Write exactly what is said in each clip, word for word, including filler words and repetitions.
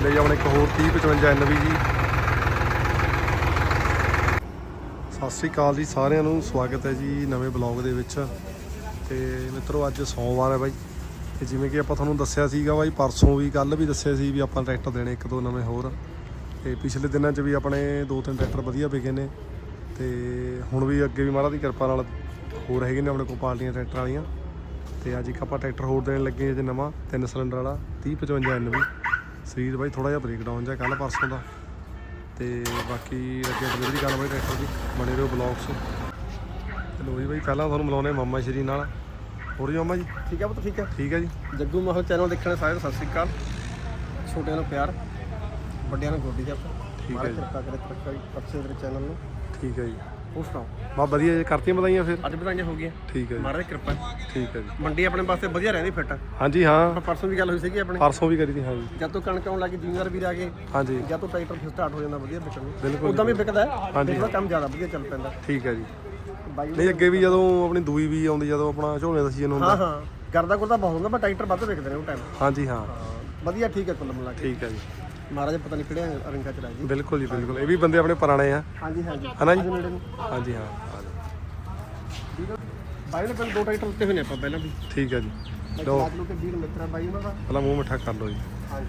ਚੱਲੇ ਜੀ ਆਪਣੇ ਇੱਕ ਹੋਰ तीह पचवंजा एन वी जी। ਸਤਿ ਸ਼੍ਰੀ ਅਕਾਲ ਜੀ ਸਾਰਿਆਂ ਨੂੰ, ਸਵਾਗਤ ਹੈ ਜੀ ਨਵੇਂ ਬਲੌਗ ਦੇ ਵਿੱਚ। ਤੇ ਮਿੱਤਰੋ ਅੱਜ ਸੋਮਵਾਰ ਹੈ ਬਾਈ, ਤੇ ਜਿਵੇਂ ਕਿ ਆਪਾਂ ਤੁਹਾਨੂੰ ਦੱਸਿਆ ਸੀਗਾ ਬਾਈ ਪਰਸੋਂ ਵੀ, ਕੱਲ੍ਹ ਵੀ ਦੱਸਿਆ ਸੀ ਵੀ ਆਪਾਂ ਟਰੈਕਟਰ ਦੇਣੇ ਇੱਕ ਦੋ ਨਵੇਂ ਹੋਰ। ਤੇ ਪਿਛਲੇ ਦਿਨਾਂ 'ਚ ਵੀ ਆਪਣੇ ਦੋ ਤਿੰਨ ਟਰੈਕਟਰ ਵਧੀਆ ਵਿਕੇ ਨੇ, ਤੇ ਹੁਣ ਵੀ ਅੱਗੇ ਵੀ ਮਹਾਰਾਜ ਦੀ ਕਿਰਪਾ ਨਾਲ ਹੋਰ ਹੈਗੇ ਨੇ ਆਪਣੇ ਕੋਲ ਪਾਰਟੀਆਂ ਟਰੈਕਟਰ ਵਾਲੀਆਂ। ਤੇ ਅੱਜ ਇੱਕ ਆਪਾਂ ਟਰੈਕਟਰ ਹੋਰ ਦੇਣ ਲੱਗੇ ਜੇ ਨਵਾਂ ਤਿੰਨ ਸਿਲੰਡਰ ਵਾਲਾ तीह पचवंजा एन वी। ਸਰੀਰ ਬਾਈ ਥੋੜ੍ਹਾ ਜਿਹਾ ਬ੍ਰੇਕਡਾਊਨ ਜਿਹਾ ਕੱਲ੍ਹ ਪਰਸੋਂ ਦਾ, ਤੇ ਬਾਕੀ ਅੱਗੇ ਡਿਲੀਵਰੀ ਕਰਨ ਬਾਈ ਟਰੈਕਟਰ ਦੀ ਬਣੇ ਰਹੋ ਬਲੌਗ 'ਚ। ਚਲੋ ਜੀ ਬਾਈ ਪਹਿਲਾਂ ਤੁਹਾਨੂੰ ਮਿਲਾਉਂਦੇ ਮਾਮਾ ਸ਼੍ਰੀ ਨਾਲ। ਹੋਰ ਜੀ ਮਾਮਾ ਜੀ ਠੀਕ ਹੈ ਪੁੱਤ, ਠੀਕ ਹੈ ਠੀਕ ਹੈ ਜੀ। ਜੱਗੂ ਮਾਹੌਲ ਚੈਨਲ ਦੇਖਣ ਸਾਰਿਆਂ ਨੂੰ ਸਤਿ ਸ਼੍ਰੀ ਅਕਾਲ। ਛੋਟਿਆਂ ਨੂੰ ਪਿਆਰ, ਵੱਡਿਆਂ ਨੂੰ ਗੋਡੀ ਜੱਪ। ਠੀਕ ਹੈ ਜੀ, ਕਿਰਪਾ ਕਰੇ ਤਰੱਕਾ ਅੱਛੇ ਤੇਰੇ ਚੈਨਲ ਨੂੰ। ਠੀਕ ਹੈ ਜੀ। ਹੋਰ ਸੁਣਾਓ? ਬਾ ਵਧੀਆ ਜੀ, ਕਰਤੀਆਂ ਵਧਾਈਆਂ ਫਿਰ। ਅੱਜ ਵਧਾਈਆਂ ਹੋ ਗਈਆਂ, ਠੀਕ ਹੈ ਜੀ, ਮਹਾਰਾਜ ਦੀ ਕਿਰਪਾ। ਠੀਕ ਹੈ ਜੀ। ਮੰਡੀ ਆਪਣੇ ਪਾਸੇ ਵਧੀਆ ਰਹਿੰਦੀ ਫਿੱਟ। ਹਾਂਜੀ ਹਾਂ, ਪਰਸੋਂ ਵੀ ਗੱਲ ਹੋਈ ਸੀਗੀ ਆਪਣੇ, ਪਰਸੋਂ ਵੀ ਕਰੀ ਤੀ। ਹਾਂਜੀ ਜਦ ਤੋਂ ਕਣਕ ਆਉਣ ਲੱਗੀ ਜ਼ਿਮੀਦਾਰ ਵੀਰ ਆ ਗਏ, ਹਾਂਜੀ, ਜਦ ਤੋਂ ਟਰੈਕਟਰ ਫਿਰ ਸਟਾਰਟ ਹੋ ਜਾਂਦਾ ਵਧੀਆ ਵਿਕਣ ਨੂੰ। ਬਿਲਕੁਲ ਉਦਾਂ ਵੀ ਵਿਕਦਾ ਹੈ, ਹਾਂਜੀ, ਉਹਦਾ ਕੰਮ ਜ਼ਿਆਦਾ ਵਧੀਆ ਚੱਲ ਪੈਂਦਾ। ਠੀਕ ਹੈ ਜੀ। ਬਾਈ ਨਹੀਂ ਅੱਗੇ ਵੀ ਜਦੋਂ ਆਪਣੀ ਦੂਈ ਵੀ ਆਉਂਦੀ, ਜਦੋਂ ਆਪਣਾ ਝੋਨੇ ਦਾ ਸੀਜ਼ਨ ਹੁੰਦਾ। ਹਾਂ ਹਾਂ ਕਰਦਾ ਕਰਦਾ ਬਹੁਤ ਹੁੰਦਾ, ਪਰ ਟਰੈਕਟਰ ਵੱਧ ਵਿਕਦੇ ਨੇ ਉਹ ਟਾਈਮ। ਹਾਂਜੀ ਹਾਂ, ਵਧੀਆ ਠੀਕ ਹੈ ਕੁੱਲ ਮਿਲਾ ਕੇ। ਠੀਕ ਹੈ ਜੀ। ਮਹਾਰਾਜ ਪਤਾ ਨਹੀਂ ਕਿਹੜਿਆਂ ਰੰਗਾਂ ਚ ਰਾਜ ਜੀ। ਬਿਲਕੁਲ ਜੀ ਬਿਲਕੁਲ, ਇਹ ਵੀ ਬੰਦੇ ਆਪਣੇ ਪੁਰਾਣੇ ਆ। ਹਾਂਜੀ ਹਾਂਜੀ ਹੈ ਨਾ ਜੀ। ਨੇੜੇ ਨੂੰ ਹਾਂਜੀ ਹਾਂ, ਆ ਜਾਓ। ਬਾਈ ਨੇ ਪਹਿਲਾਂ ਦੋ ਟਰੈਕਟਰ ਉੱਤੇ ਹੋਏ ਨੇ ਆਪਾਂ ਪਹਿਲਾਂ ਵੀ। ਠੀਕ ਹੈ ਜੀ। ਲੋ ਲੋ ਕੇ ਵੀਰ ਮਿੱਤਰਾ ਬਾਈ ਉਹਨਾਂ ਦਾ ਪਹਿਲਾਂ ਮੂੰਹ ਮਿੱਠਾ ਕਰ ਲਓ ਜੀ। ਹਾਂਜੀ।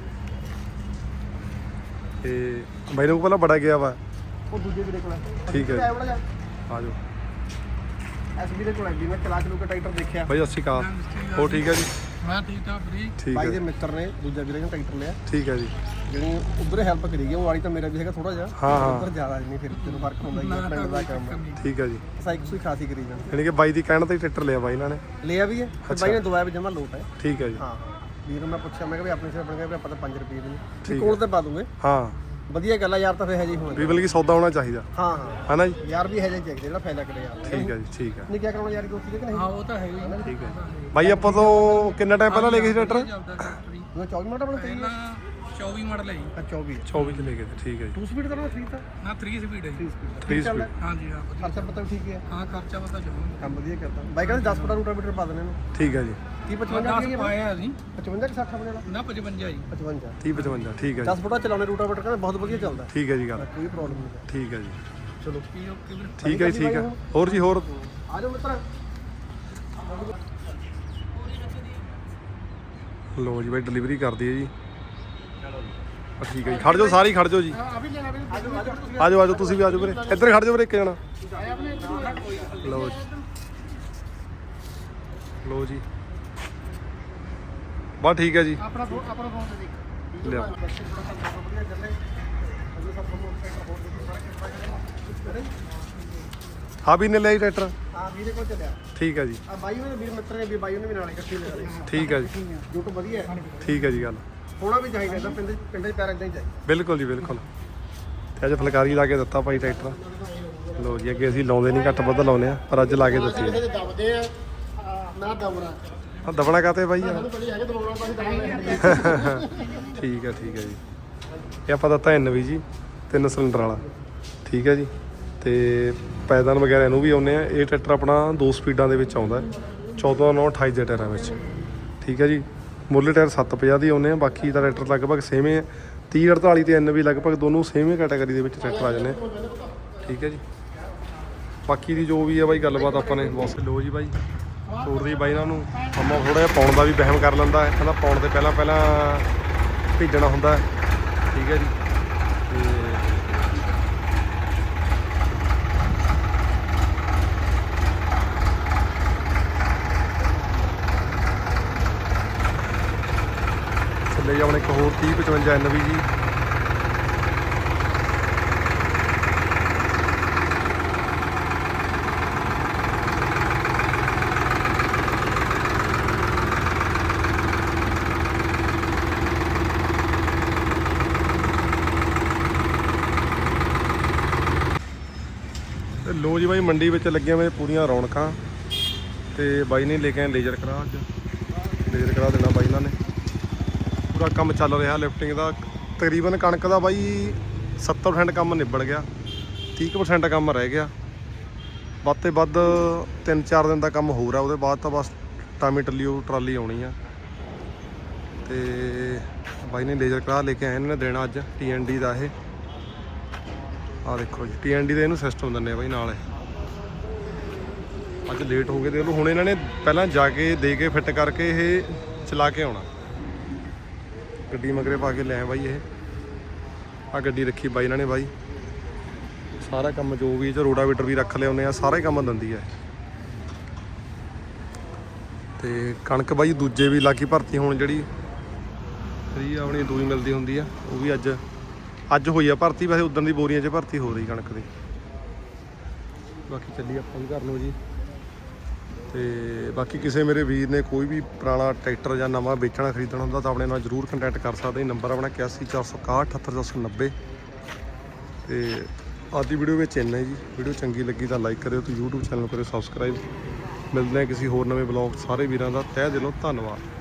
ਤੇ ਬਾਈ ਨੂੰ ਪਹਿਲਾਂ ਬੜਾ ਗਿਆ ਵਾ। ਉਹ ਦੂਜੇ ਵੀਰੇ ਕੋਲ ਠੀਕ ਹੈ, ਆ ਜਾ ਆ ਜਾਓ। ਐਸ ਵੀਰੇ ਕੋਲ ਵੀ ਮੈਂ ਚਲਾ ਚਲੂ ਕੇ ਟਰੈਕਟਰ ਦੇਖਿਆ। ਬਾਈ ਸਤਿ ਸ਼੍ਰੀ ਅਕਾਲ। ਹੋਰ ਠੀਕ ਹੈ ਜੀ? ਮੈਂ ਠੀਕ ਠਾਕ ਫਰੀ। ਠੀਕ ਬਾਈ ਹੈ ਦੇ ਮਿੱਤਰ ਨੇ ਦੂਜਾ ਵੀਰੇ ਨੇ ਟਰੈਕਟਰ ਲਿਆ। ਠੀਕ ਹੈ ਜੀ। ਜਿਹੜੀ ਉਧਰ ਹੈਲਪ ਕਰੀ ਗਈ, ਉਹ ਵਾਲੀ ਤਾਂ ਮੇਰਾ ਵੀ ਹੈਗਾ ਥੋੜਾ ਜਿਹਾ। ਹਾਂ ਹਾਂ, ਉਧਰ ਜ਼ਿਆਦਾ ਨਹੀਂ, ਫਿਰ ਤੈਨੂੰ ਫਰਕ ਹੁੰਦਾ ਹੀ ਹੈ ਪਿੰਡ ਦਾ ਕੰਮ। ਠੀਕ ਹੈ ਜੀ। ਸਾਈਕ ਸੂਈ ਖਾਸੀ ਕਰੀ ਜਾਣ, ਯਾਨੀ ਕਿ ਬਾਈ ਦੀ ਕਹਿਣ ਤੇ ਟਰੈਕਟਰ ਲਿਆ ਬਾਈ ਇਹਨਾਂ ਨੇ। ਲਿਆ ਵੀ ਹੈ ਤੇ ਬਾਈ ਨੇ ਦਵਾਇਆ ਵੀ ਜਮਾ ਲੋਟ ਹੈ। ਠੀਕ ਹੈ ਜੀ। ਹਾਂ ਵੀਰ ਨੂੰ ਮੈਂ ਪੁੱਛਿਆ, ਮੈਂ ਕਿਹਾ ਵੀ ਆਪਣੇ ਸਿਰ ਬਣ ਗਿਆ ਵੀ ਆਪਾਂ ਤਾਂ ਪੰਜ ਰੁਪਏ ਦੇ ਠੀਕ ਨਹੀਂ ਕੋਲ ਤੇ ਪਾ ਦੂੰਗੇ। ਹਾਂ ਵਧੀਆ ਗੱਲ ਆ ਯਾਰ, ਤਾਂ ਫੇਰ ਹੈ ਜੀ ਹੁਣ ਵੀ ਬਲਕਿ ਸੌਦਾ ਹੋਣਾ ਚਾਹੀਦਾ। ਹਾਂ ਹਾਂ ਹੈ ਨਾ ਜੀ। ਯਾਰ ਵੀ ਹੈ ਜੀ ਚਾਹੀਦਾ ਜਿਹੜਾ ਫਾਇਦਾ ਕਰੇ ਯਾਰ। ਠੀਕ ਹੈ ਜੀ, ਠੀਕ ਹੈ। ਨਹੀਂ ਕਿਆ ਕਰਾਉਣਾ ਯਾਰ ਦੋਸਤੀ ਦੇ ਕਿ ਨਹੀਂ? ਹਾਂ ਉਹ ਤਾਂ ਹੈ ਹੀ। ਠੀਕ ਹੈ ਬਾਈ। ਆਪਾਂ ਤੋਂ ਕਿੰਨਾ ਟਾਈਮ ਪਹਿਲਾਂ ਲੈ ਗਏ ਸੀ ਟਰੈਕਟਰ? ਮੈਂ ਚੌਵੀ ਮਿੰਟ ਆਪਣਾ ਕਰੀ ਪਹਿਲਾਂ ਚੌਵੀ ਮਾਡਲ ਹੈ ਜੀ। ਆ ਚੌਵੀ ਚੌਵੀ ਚ ਲੈ ਗਏ ਤੇ। ਠੀਕ ਹੈ ਜੀ। ਟੂ ਸਪੀਡ ਕਰਨਾ ਥ੍ਰੀ ਤਾਂ ਨਾ तीन ਸਪੀਡ ਹੈ ਜੀ। Three speed. ਹਾਂਜੀ ਹਾਂ ਵਧੀਆ। ਖਰਚਾ ਪਤਾ ਵੀ ਠੀਕ ਹੈ। ਹਾਂ ਖਰਚਾ ਪਤਾ ਚੱਲੂ। ਕੰਮ ਵਧੀਆ ਕਰਦਾ ਬਾਈ। ਕਹਿੰਦੇ ਦਸ ਫੁੱਟਾ ਰੂਟਾਵੀਟਰ ਪਾ ਦੇਣੇ ਇਹਨੂੰ। ਠੀਕ ਹੈ ਜੀ। तीस पचवंजा ਦਸ ਪਾਇਆ ਅਸੀਂ पचवंजा कि साठ अपने वाला ਨਾ पचवंजा ਜੀ। पचवंजा तीह पचवंजा। ठीक है दस फुटा चलाने रूटावेटर का बहुत बढ़िया चलता है। ठीक है जी। गल कोई प्रॉब्लम नहीं है। ठीक है जी। चलो ਕੀ ਓਕੇ ਵੀਰ। ठीक है जी, ठीक है। और जी और आ जाओ मित्र। लो जी भाई डिलीवरी कर दी है जी। ठीक है जी। खड़ जाओ सारी, खड़ जाओ जी। अभी लेना भी आ जाओ आ जाओ आ जाओ आ जाओ, तुसी भी आ जाओ वीरे। इधर खड़ जाओ वीरे, एक जना। लो जी, लो जी बस ठीक है जी। अपना अपना फोन से देख लिया। हाँ भी ने लिया ट्रैक्टर। हां ਵੀਰੇ ਕੋਲ ਚੱਲਿਆ। ठीक है जी। ਆ ਬਾਈ ਨੇ ਵੀਰ ਮਿੱਤਰ ਨੇ ਵੀ ਬਾਈ ਨੇ ਵੀ ਨਾਲ ਇਕੱਠੇ ਲੈ ਲਏ। ठीक है जी। ਜੋ ਤਾਂ ਵਧੀਆ ਹੈ। ठीक है जी। गल ਹੋਣਾ ਵੀ ਚਾਹੀਦਾ ਤਾਂ ਪਿੰਡ ਪਿੰਡ ਦੇ ਪੈਰ ਇਦਾਂ ਹੀ ਚਾਹੀਦਾ। ਬਿਲਕੁਲ ਜੀ ਬਿਲਕੁਲ। ਤੇ ਅੱਜ ਫੁਲਕਾਰੀ ਲਾ ਕੇ ਦਿੱਤਾ ਭਾਈ ਟਰੈਕਟਰ। ਲੋ ਜੀ ਅੱਗੇ ਅਸੀਂ ਲਾਉਂਦੇ ਨਹੀਂ, ਘੱਟ ਵੱਧ ਲਾਉਂਦੇ ਆ, ਪਰ ਅੱਜ ਲਾ ਕੇ ਦਿੱਤੀ ਹੈ। ਦਬਦੇ ਆ ਨਾ ਦਬਣਾ। ਆ ਦਬਣਾ ਕਾਤੇ ਬਾਈ ਯਾਰ? ਬੜੀ ਹੈਗੇ ਦਬਣਾ ਤਾਂ ਦਬਣਾ। ਠੀਕ ਹੈ ਠੀਕ ਹੈ ਜੀ। ਇਹ ਆਪਾਂ ਦਿੱਤਾ ਐਨ ਵੀ ਜੀ ਤਿੰਨ ਸਿਲੰਡਰ ਵਾਲਾ। ਠੀਕ ਹੈ ਜੀ। ਤੇ ਪੈਦਾਨ ਵਗੈਰਾ ਇਹਨੂੰ ਵੀ ਆਉਂਦੇ ਆ। ਇਹ ਟਰੈਕਟਰ ਆਪਣਾ ਦੋ ਸਪੀਡਾਂ ਦੇ ਵਿੱਚ ਆਉਂਦਾ, ਚੌਦਾਂ ਨੌ ਅਠਾਈ ਦੇ ਟਾਇਰਾਂ ਵਿੱਚ। ਠੀਕ ਹੈ ਜੀ। ਮੁੱਢਲੇ ਟਾਇਰ ਸੱਤ ਪੰਜਾਹ ਦੀ ਆਉਂਦੇ ਆ, ਬਾਕੀ ਦਾ ਟਰੈਕਟਰ ਲਗਭਗ ਸੇਮ ਹੈ। तीह अड़ताली ਤੇ ਐਨ ਵੀ ਲਗਭਗ ਦੋਨੋਂ ਸੇਮ ਹੀ ਕੈਟਾਗਰੀ ਦੇ ਵਿੱਚ ਟਰੈਕਟਰ ਆ ਜਾਂਦੇ। ਠੀਕ ਹੈ ਜੀ। ਬਾਕੀ ਦੀ ਜੋ ਵੀ ਹੈ ਬਾਈ ਗੱਲਬਾਤ ਆਪਾਂ ਨੇ ਬਸ। ਲੋ ਜੀ ਬਾਈ ਤੋੜਦੀ ਬਾਈ ਇਹਨਾਂ ਨੂੰ। ਅੰਮਾ ਥੋੜ੍ਹਾ ਜਿਹਾ ਪਾਉਣ ਦਾ ਵੀ ਵਹਿਮ ਕਰ ਲੈਂਦਾ ਹੈ, ਕਹਿੰਦਾ ਪਾਉਣ ਤੋਂ ਪਹਿਲਾਂ ਪਹਿਲਾਂ ਭੇਜਣਾ ਹੁੰਦਾ ਹੈ। ਠੀਕ ਹੈ ਜੀ। ਤੇ ਚੱਲੇ ਆਪਣੇ ਇੱਕ ਹੋਰ तीह पचवंजा एन वी जी। लो जी भाई मंडी में लगे हुए पूरियां रौनक। तो बाई ने लेके आए लेजर करा, अज लेजर करा देना बाई इन्होंने। पूरा काम चल रहा लिफ्टिंग का। तकरीबन कणक का बाई सत्तर परसेंट काम निबड़ गया, तीह परसेंट काम रह गया। ਵੱਧ ਤੋਂ ਵੱਧ तीन चार दिन का काम हो रहा, उसके बाद तो बस टामी टली ट्राली आनी है। तो ਬਾਈ ਨੇ ਲੇਜ਼ਰ ਕਰਾ ਲੈ ਕੇ ਆਏ ਇਹਨਾਂ ਨੇ ਦੇਣਾ ਅੱਜ ਟੀ ਐਨ ਡੀ ਦਾ। ਇਹ ਆਹ ਦੇਖੋ ਜੀ ਟੀ ਐਨ ਡੀ ਦਾ ਇਹਨੂੰ ਸਿਸਟਮ ਦਿੰਦੇ ਆ ਬਾਈ ਨਾਲ। ਇਹ ਅੱਜ ਲੇਟ ਹੋ ਗਏ ਤੇ ਉਹਨੂੰ ਹੁਣ ਇਹਨਾਂ ਨੇ ਪਹਿਲਾਂ ਜਾ ਕੇ ਦੇ ਕੇ ਫਿੱਟ ਕਰਕੇ ਇਹ ਚਲਾ ਕੇ ਆਉਣਾ। ਗੱਡੀ ਮਗਰੇ ਪਾ ਕੇ ਲੈ ਬਾਈ। ਇਹ ਆਹ ਗੱਡੀ ਰੱਖੀ ਬਾਈ ਇਹਨਾਂ ਨੇ ਬਾਈ। ਸਾਰਾ ਕੰਮ ਜੋ ਵੀ ਇਹ 'ਚ ਰੋਡਾਵੇਟਰ ਵੀ ਰੱਖ ਲਿਆਉਂਦੇ ਆ, ਸਾਰਾ ਹੀ ਕੰਮ ਦਿੰਦੀ ਹੈ। ਤੇ ਕਣਕ ਬਾਈ ਦੂਜੇ ਵੀ ਲਾਗੀ ਭਰਤੀ ਹੁਣ ਜਿਹੜੀ ਫਰੀ ਆਪਣੀ ਦੂਈ ਮਿਲਦੀ ਹੁੰਦੀ ਆ, ਉਹ ਵੀ ਅੱਜ ਅੱਜ ਹੋਈ ਆ ਭਰਤੀ। ਵੈਸੇ ਉਦੋਂ ਦੀ ਬੋਰੀਆਂ 'ਚ ਭਰਤੀ ਹੋ ਰਹੀ ਕਣਕ ਦੀ। ਬਾਕੀ ਚੱਲੀ ਆਪਾਂ ਵੀ ਘਰ ਨੂੰ ਜੀ। ਤੇ ਬਾਕੀ ਕਿਸੇ ਮੇਰੇ ਵੀਰ ਨੇ ਕੋਈ ਵੀ ਪੁਰਾਣਾ ਟਰੈਕਟਰ ਜਾਂ ਨਵਾਂ ਵੇਚਣਾ ਖਰੀਦਣਾ ਹੁੰਦਾ ਤਾਂ ਆਪਣੇ ਨਾਲ ਜ਼ਰੂਰ ਕੰਟੈਕਟ ਕਰ ਸਕਦੇ। ਨੰਬਰ ਆਪਣਾ ਇਕਾਸੀ ਚਾਰ ਸੌ ਇਕਾਹਠ ਅਠੱਤਰ ਚਾਰ ਸੌ ਨੱਬੇ। ਤੇ ਅੱਜ ਦੀ ਵੀਡੀਓ ਵਿੱਚ ਇੰਨਾ ਜੀ। ਵੀਡੀਓ ਚੰਗੀ ਲੱਗੀ ਤਾਂ ਲਾਈਕ ਕਰਿਓ ਤੇ YouTube ਚੈਨਲ ਕਰਿਓ ਸਬਸਕ੍ਰਾਈਬ। ਮਿਲਦੇ ਹਾਂ ਕਿਸੇ ਹੋਰ ਨਵੇਂ ਬਲੌਗ। ਸਾਰੇ ਵੀਰਾਂ ਦਾ ਤਹਿ ਦਿਲੋਂ ਧੰਨਵਾਦ।